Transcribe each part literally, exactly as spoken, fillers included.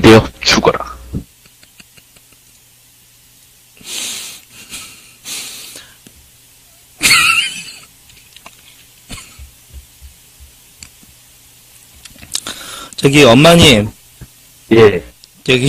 되어 죽어라. 저기 엄마님 예. 저기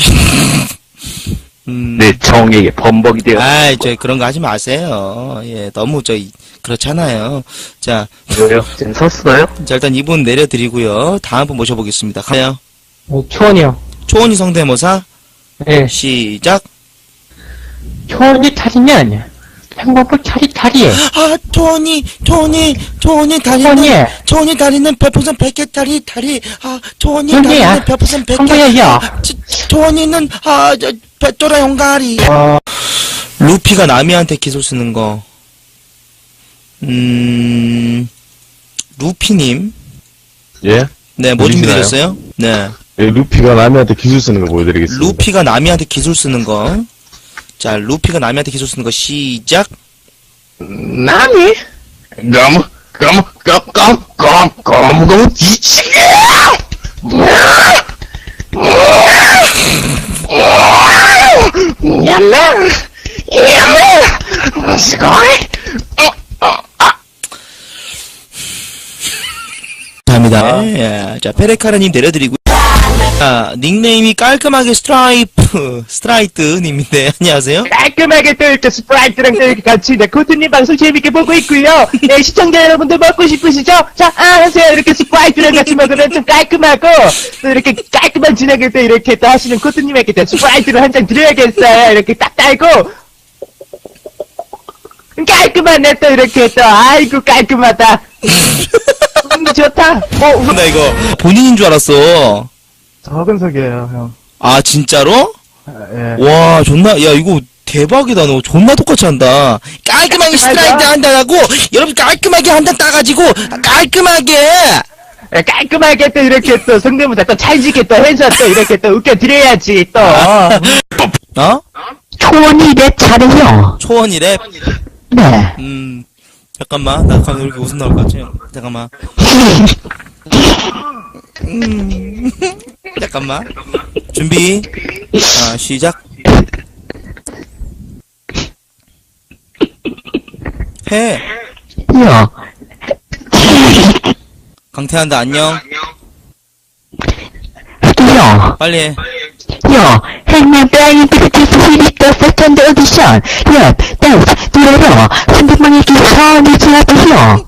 음. 내 정에게 범벅이 되어. 아이 저 그런 거 하지 마세요. 예 너무 저 그렇잖아요. 자, 왜요? 지금 섰어요? 자 일단 이분 내려드리고요. 다음 분 모셔보겠습니다. 가요. 어, 초원이요. 초원이 성대모사 예. 시작. 초원이 다리면 행복을 차리타리에. 아 토니 토니 토니 다리는 토니. 토니 다리는 별풍선 백 개 다리 다리 아 토니 토니야. 다리는 별풍선 백 개 한거야. 아, 치- 토니는 아저 백도라 용가리. 어, 루피가 나미한테 기소 쓰는 거. 음 루피님 예? 네 뭐 들리시나요? 준비되셨어요? 네 예, 루피가 남이한테 기술 쓰는 거 보여드리겠습니다. 루피가 나미한테 기술 쓰는 거. 자 루피가 나미한테 기술 쓰는 거 시작. 나니? 너무, 너무, 껌, 껌, 껌, 껌, 껌, 뒤치게! 야매! 야매! 스고이! 감사합니다. 예, 자 페레카라님 내려드리고. 자 닉네임이 깔끔하게 스트라이프 스트라이트님인데 안녕하세요. 깔끔하게 또 이렇게 스프라이트랑 또 이렇게 같이 네, 코트님 방송 재밌게 보고 있고요. 네, 시청자 여러분들 먹고 싶으시죠? 자, 아, 하세요. 이렇게 스프라이트랑 같이 먹으면 좀 깔끔하고 또 이렇게 깔끔한 진행을 또 이렇게 또 하시는 코트님에게 또 스프라이트를 한 잔 드려야겠어요. 이렇게 딱 달고 깔끔하네 또 이렇게 또 아이고 깔끔하다. 음, 좋다. 어, 나 이거 본인인 줄 알았어. 적은석이에요, 형. 아 진짜로? 아, 예. 와 존나 야 이거 대박이다. 너 존나 똑같이 한다. 깔끔하게 스트라이트 한다고 여러분 깔끔하게 한 단 따가지고 깔끔하게. 예, 깔끔하게 또 이렇게 또 성대모사 또 찰지게 또 해서 또 이렇게 또 웃겨드려야지 또. 어? 초원이 내 차례요. 초원이 랩. 네. 음 잠깐만 나 가면 이렇게 웃음 나올 것 같지? 잠깐만. 음 잠깐만 준비. 아 시작. 해. 요. 강태한다 안녕. 요. 빨리 해. 요. 행맨 브라이언 피스티스 히리터 세컨드 오디션. 요. 댄스. 들어요. 삼백만의 기선이 지나가요.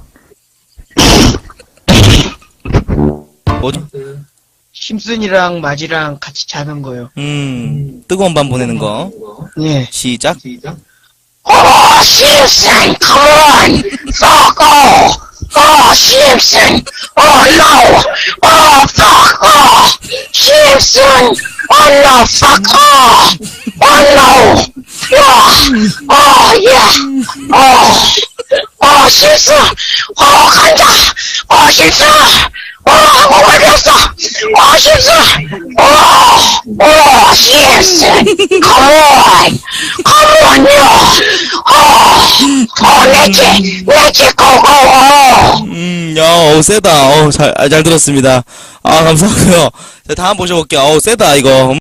뭐죠? 심슨이랑 마지랑 같이 자는 거요. 음 뜨거운 밤 보내는 거. 예. 시작. 오, 심슨, 컴온! 쏘고! 오, 심슨! 오, 노! 오, fuck! 오, 심슨! 오, no, fuck! 오, 오, no! 야! 오, 예! 오, 오, 심슨! 오, 간다! 오, 심슨! 오, 하고 말렸어! 오, 심슨! 오, 오, 심슨! 컴온! 컴온요! 어, 어, 내지, 내지, 고고! 음, 야, 어, 세다. 어, 잘, 아, 잘 들었습니다. 아, 감사하고요. 자, 다음 모셔볼게요. 어, 세다, 이거.